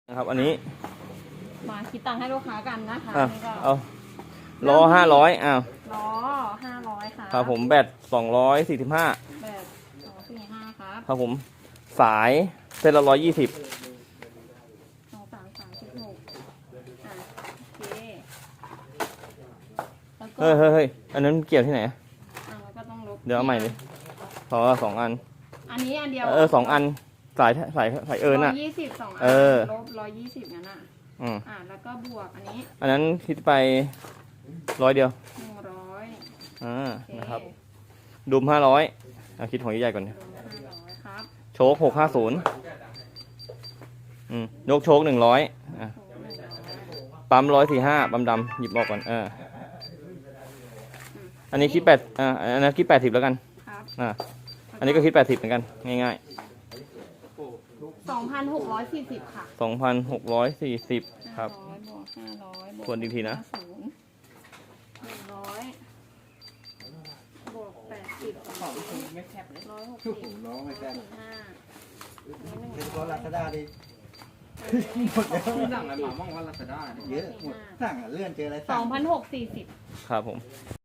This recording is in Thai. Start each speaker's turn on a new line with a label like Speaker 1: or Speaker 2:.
Speaker 1: นะครับอันนี้
Speaker 2: มาคิดตังค์ให้ลูกค้ากันนะคะ นี่ก็
Speaker 1: เอาล้อ500อ้าว
Speaker 2: ล้อ500ค่ะ
Speaker 1: ครับผมแบต245
Speaker 2: แบบ245ครับ
Speaker 1: ครับผมสายเส้นละ120
Speaker 2: 2336อ่ะโอเคแล้วก็
Speaker 1: เฮ้ยอันนั้นเกี่ยวที่ไหน
Speaker 2: แล้วก็ต้องลบ
Speaker 1: เดี๋ยวเอาใหม่ดิ2 อัน
Speaker 2: อันนี้อันเดียว
Speaker 1: 2 อันสายน่ะ
Speaker 2: 120 2 อัน ลบ120งั้นอ่ะแล้วก็บวกอันนี้
Speaker 1: อันนั้นคิดไป100เดียว
Speaker 2: 100
Speaker 1: นะครับดุม500คิดของใหญ่ๆก่อน
Speaker 2: รวม500ครับ
Speaker 1: โชค650ยกโชค100ปั๊ม145ปั๊มดำหยิบออกก่อนอันนี้คิดอันนั้นคิด80แล้วกัน
Speaker 2: ครับ
Speaker 1: อันนี้ก็คิด80เหมือนกันง่าย
Speaker 2: 2,640ค่ะ
Speaker 1: ๆ2,640ครับ
Speaker 2: 500บวก500บวก
Speaker 1: ทวนอีกทีนะ
Speaker 2: 100บวก80ไม่แคบเลย160
Speaker 3: ร้องไม่แค่
Speaker 2: 45
Speaker 3: เป็นลาซาด้าดิหมดแล้วสั่งอะไรมาบ้างว่าลาซาด้าเยอะหมดสั่งเลื่อนเจออะไรสั่ง
Speaker 2: 2,640
Speaker 1: ครับผม